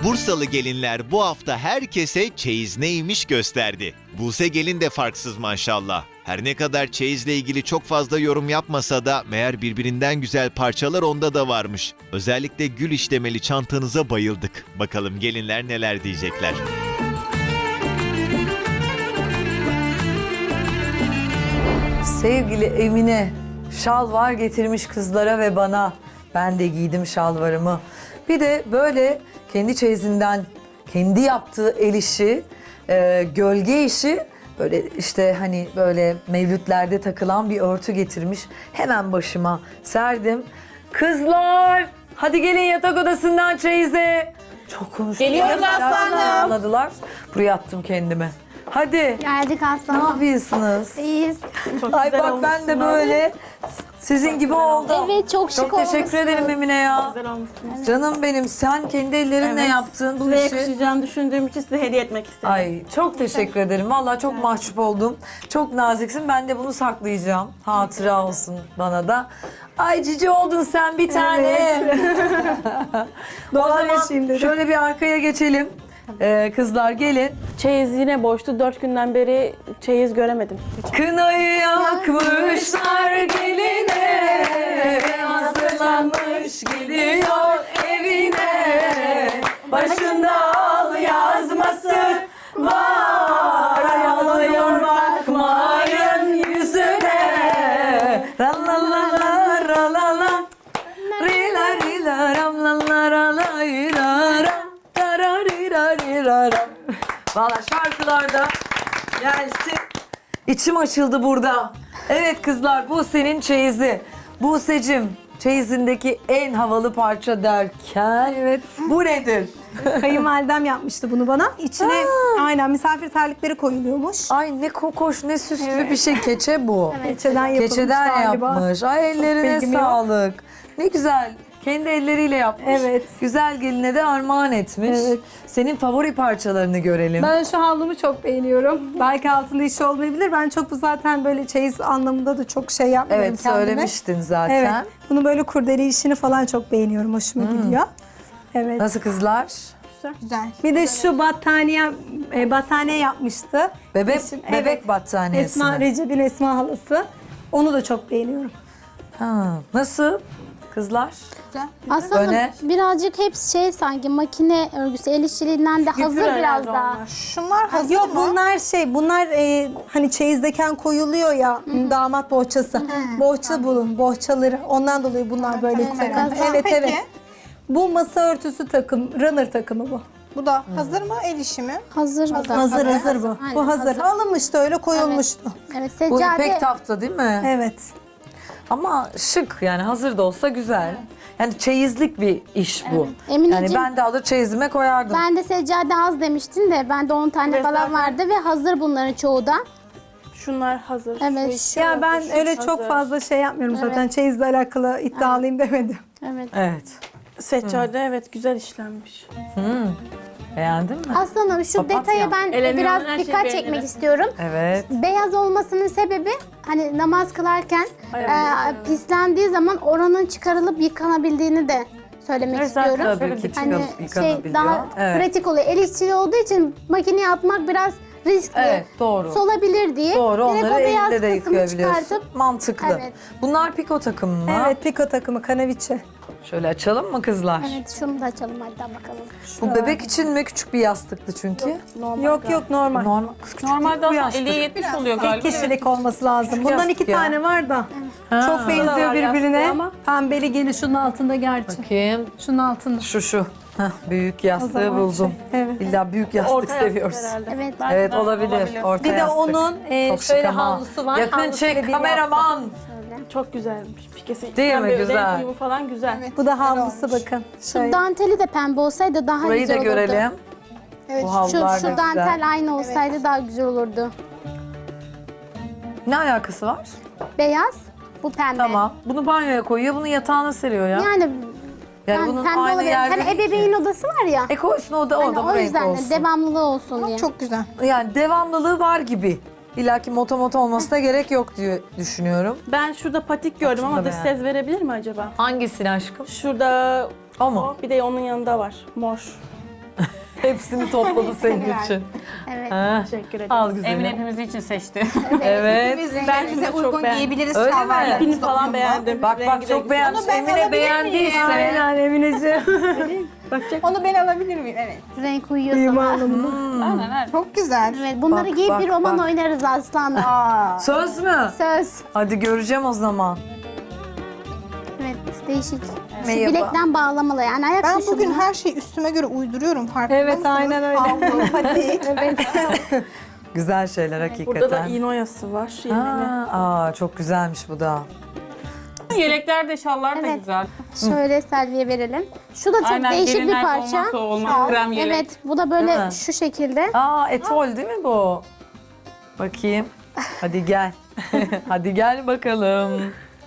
Bursalı gelinler bu hafta herkese çeyiz neymiş gösterdi. Buse gelin de farksız maşallah. Her ne kadar çeyizle ilgili çok fazla yorum yapmasa da meğer birbirinden güzel parçalar onda da varmış. Özellikle gül işlemeli çantanıza bayıldık. Bakalım gelinler neler diyecekler. Sevgili Emine, şalvar getirmiş kızlara ve bana. Ben de giydim şalvarımı. Bir de böyle kendi çeyizinden, kendi yaptığı el işi, gölge işi, böyle işte hani böyle mevlütlerde takılan bir örtü getirmiş. Hemen başıma serdim. Kızlar, hadi gelin yatak odasından çeyize. Çok konuştum. Geliyoruz aslanım. Anladılar. Buraya attım kendimi. Hadi. Geldik Ne aslanım. yapıyorsunuz? İyiyiz. Ay bak ben de böyle sizin gibi oldum. Evet çok şık Çok teşekkür olmuşsun. ederim Emine ya. Güzel olmuşsunuz. Canım benim, sen kendi ellerinle Evet. yaptın bu Size işi. yakışacağını düşündüğüm için size hediye etmek istedim. Ay çok teşekkür ederim. Vallahi çok mahcup oldum. Çok naziksin. Ben de bunu saklayacağım. Hatıra olsun bana da. Ay cici oldun sen bir tane. O zaman şöyle bir arkaya geçelim. Kızlar gelin. Çeyiz yine boştu. 4 günden beri çeyiz göremedim. Kınayı yakmışlar geline, hazırlanmış gidiyor evine. Başında al yazması var, ayalıyor bakmayın yüzüne. Ralala ralala, rila rila ram la la la ira ram, tararira rira ram. Valla şarkılarda gelsin. İçim açıldı burada. Evet kızlar, bu senin çeyizi. Buse'cim, çeyizindeki en havalı parça derken Evet. bu nedir? Kayınvalidem yapmıştı bunu bana. İçine aynen misafir terlikleri koyuluyormuş. Ay ne kokoş, ne süslü bir şey. Keçe bu. Keçeden yapılmış Keçeden galiba. yapmış. Ay ellerine bilgim yok. sağlık. Ne güzel. Kendi elleriyle yapmış. Evet. Güzel geline de armağan etmiş. Evet. Senin favori parçalarını görelim. Ben şu havlumu çok beğeniyorum. Belki altında işi olmayabilir. Ben çok bu zaten böyle çeyiz anlamında da çok şey yapmıyorum Evet, kendime. söylemiştin zaten. Evet. Bunu böyle kurdele işini falan çok beğeniyorum. Hoşuma gidiyor. Evet. Nasıl kızlar? Güzel. Bir de şu battaniye yapmıştı. Bebek Eşim- bebek battaniyesi Esma, mi? Recep'in Esma halası. Onu da çok beğeniyorum. Ha, nasıl kızlar? Aslında Öne. birazcık hepsi şey sanki makine örgüsü, el işçiliğinden de hazır biraz herhalde daha. onlar. Şunlar hazır Yok mı? bunlar hani çeyizdeken koyuluyor ya damat bohçası. Bohça bulun, bohçaları. Ondan dolayı bunlar böyle takım. Tamam. Evet Peki. evet. Bu masa örtüsü takım, runner takımı bu. Bu da hazır mı? El işi mi? Hazır bu da. Hazır bu. Aynen, Bu hazır. Alınmıştı öyle koyulmuştu. Evet Bu seccade. ipek tafta değil mi? Evet. Ama şık, yani hazır da olsa güzel. Yani çeyizlik bir iş bu. Emineciğim, Yani ben de alır çeyizime koyardım. Ben de seccade az demiştin de bende 10 tane Ve falan zaten- vardı ve hazır bunların çoğu da. Şunlar hazır. Evet. Şu iki Ya hazır, ben şu öyle hazır. çok fazla şey yapmıyorum zaten. Çeyizle alakalı iddialıyım demedim. Evet. Evet. Seccade evet güzel işlenmiş. Beğendin mi? Aslanım şu Papatya. detaya ben Eleniyorum, biraz her şeyi dikkat beğenirim. çekmek istiyorum. Evet. Beyaz olmasının sebebi hani namaz kılarken Ay, pislendiği zaman oranın çıkarılıp yıkanabildiğini de söylemek Evet, zaten istiyorum. Tabii ki Hani yıkanabiliyor. daha Evet. pratik oluyor. El işçiliği olduğu için makineye atmak biraz riskli. Evet, doğru. Solabilir diye. Doğru, Direkt onları o beyaz elinde de kısmı yıkayabiliyorsun. çıkartıp Mantıklı. Evet. Bunlar piko takımı mı? Evet, piko takımı, kanaviçe. Şöyle açalım mı kızlar? evet şunu da açalım hadi bakalım. Bu bebek için mi? Küçük bir yastıktı çünkü. Yok normal. Normal. Kız küçük Normalde değil bu aslında yastık. 50'ye 70 oluyor İlk galiba. kişilik olması lazım. Bundan yastık 2 ya. tane var da. Ha. Çok benziyor var yastığı birbirine. ama. Pembeli gene şunun altında gerçi. Bakayım. Şunun altında. Şu. Heh, büyük O yastığı zaman buldum. evet. İlla büyük yastık Orta yastık seviyoruz. herhalde. Evet. Belki Evet de olabilir. Orta Bir de yastık. onun Çok şık şöyle ama. havlusu var. Yakın Havlusuyla çek bir kameraman. Çok güzelmiş. Pikesi. Değil mi? Pembe, Güzel. renk uyumu falan güzel. Bu da havlusu bakın. Şu Şöyle. danteli de pembe olsaydı daha Burayı güzel da olurdu. görelim. Evet. Bu Şu, havlular şu da dantel güzel. aynı olsaydı daha güzel olurdu. Ne alakası var? Beyaz, bu pembe. Tamam. Bunu banyoya koyuyor, bunu yatağına seriyor ya. Yani Yani bunun pembe aynı olabilir. yerde Hani değil ki. ebeveyn odası var ya. Koysun o da Hani bu o renk yüzden de olsun. devamlılığı olsun diye. Çok güzel. Yani devamlılığı var gibi. İlla ki moto olmasına gerek yok diye düşünüyorum. Ben şurada patik gördüm şunu ama da dış beğendim. ses verebilir mi acaba? Hangisini aşkım? Şurada O mu? bir de onun yanında var. Mor. Hepsini topladı senin için. Evet. Ha, Teşekkür ederim. al güzelim. Emine hepimiz için seçti. Evet. Ben Bize çok uygun beğendim. giyebiliriz Öyle mi? şalvarlarımızla Pin falan uyumlu. beğendim. Bak Rengi de çok güzel. beğenmiş. Onu ben Emine alabilir beğendiyse. Aynen Emineciğim. Bakacak. Onu ben alabilir miyim? Evet. Renk uyuyor sana. Aynen öyle. Çok güzel. Evet, bunları Bak, giyip bak, bir roman bak. oynarız aslanım. Aa. Söz mü? Söz. Hadi göreceğim o zaman. Evet, değişik. Şu Merhaba. bilekten bağlamalı yani ayak Ben dışı bugün bunlar. her şeyi üstüme göre uyduruyorum farkında Evet, mısınız? aynen öyle. Havlu, patik. Güzel şeyler hakikaten. Burada da iğne oyası var. Aa, çok güzelmiş bu da. Yelekler de şallar da Evet. güzel. Şöyle Selvi'ye verelim. Şu da çok Aynen değişik bir gelinler parça. olmazsa olmaz. Krem yelek. Evet, bu da böyle Değil mi? şu şekilde. Aa, etol değil mi bu? Bakayım. Hadi gel. Hadi gel bakalım.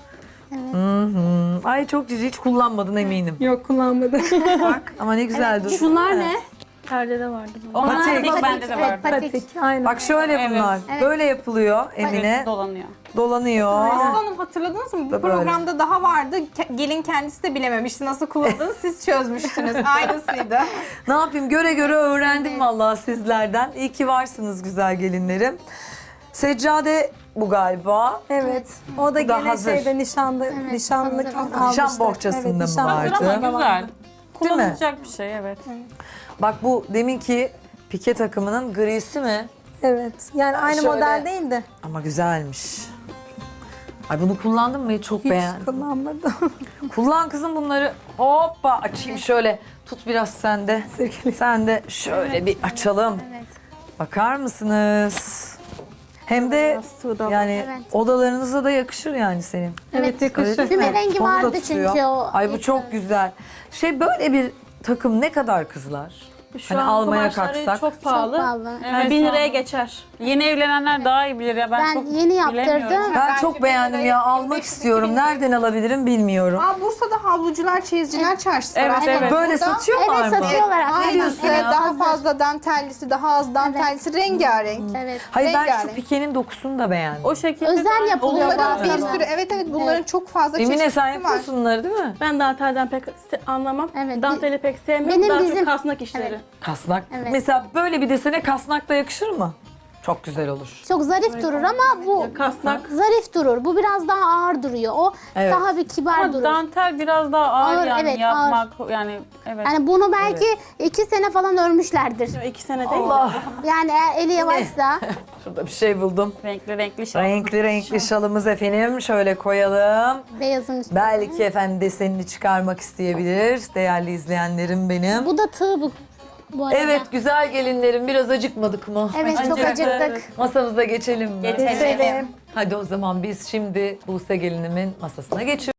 Hı. Ay çok cici, hiç kullanmadın eminim. Yok kullanmadım. Bak ama ne güzel duruyor. Şunlar ne? Perdede vardı. Onlar Patik. patik bende de Evet, vardı. patik. Aynen. Bak şöyle Evet. bunlar. Evet. Böyle yapılıyor Emine. Dolanıyor. Dolanıyor. Aslanım hatırladınız mı? Bu Böyle. programda daha vardı. Gelin kendisi de bilememişti. Nasıl kullandığını siz çözmüştünüz. Aynısıydı. Ne yapayım, göre göre öğrendim vallahi sizlerden. İyi ki varsınız güzel gelinlerim. Seccade bu galiba. Evet. O da Bu da gene hazır. şeyde nişanlık hazır. almışlar. Nişan bohçasında mı nişan vardı? Hazır ama bohçasında güzel. vardı. Değil mi? Kullanılacak bir şey evet. Bak bu deminki pike takımının grisi mi? Evet. Yani aynı Şöyle. model değil de Ama güzelmiş. Ay bunu kullandın mı? Çok hiç beğendim. kullanmadım. Kullan kızım bunları. Hoppa açayım şöyle. Tut biraz sen de. Sen de şöyle bir açalım. Evet. Bakar mısınız? Hem de Yastığı da var. yani Evet. odalarınıza da yakışır yani senin. Evet yakışır. Öyle değil mi? Füme rengi Tonu da vardı tutuyor. çünkü o. Ay bu çok güzel. Böyle bir takım ne kadar kızlar? Şu Hani an almaya kumaşları kalksak. çok Çok pahalı. pahalı. Yani Evet, 1000 şu an- liraya geçer. Yeni evlenenler daha iyi bilir ya. Ben çok Ben yeni yaptırdım. bilemiyorum. Ben çok beğendim ya. Almak istiyorum. Nereden alabilirim bilmiyorum. Aa, Bursa'da havlucular, çeyizciler çarşısı var. Evet, Aslında evet. Böyle burada- satıyorlar Evet, mı? satıyorlar aslında. Aynen. diyorsun Evet, ya? daha fazla dantellisi, daha az dantellisi, rengarenk. Evet. Hayır ben şu rengarenk. pikenin dokusunu da beğendim. O şekilde Özel yapılıyor Bunların bir bazen. sürü, evet bunların çok fazla Emine çeşitli sen var. yapıyorsun bunları değil mi? Ben dantelden pek anlamam. Evet, Danteli pek sevmiyorum. benim Daha bizim- çok kasnak işleri. Kasnak. Evet. Mesela böyle bir desene kasnak da yakışır mı? Çok güzel olur. Çok zarif durur ama bu Kasnak. zarif durur. Bu biraz daha ağır duruyor. O Evet. daha bir kibar Ama durur. dantel biraz daha ağır, Ağır, yani evet, yapmak yani evet. Yani bunu belki 2 sene falan örmüşlerdir. 2 sene değil. Allah. Yani eğer eli yavaşsa. Şurada bir şey buldum. Renkli şal. Renkli renkli şalımız efendim. Şöyle koyalım. Beyazın üstüne. Belki efendim desenini çıkarmak isteyebilir. Değerli izleyenlerim benim. Bu da tığ bu arada. Evet güzel gelinlerim, biraz acıkmadık mı? Evet çok Acıktık. acıktık. Masamıza geçelim mi? Geçelim. Hadi o zaman biz şimdi Buse gelinimin masasına geçiyoruz.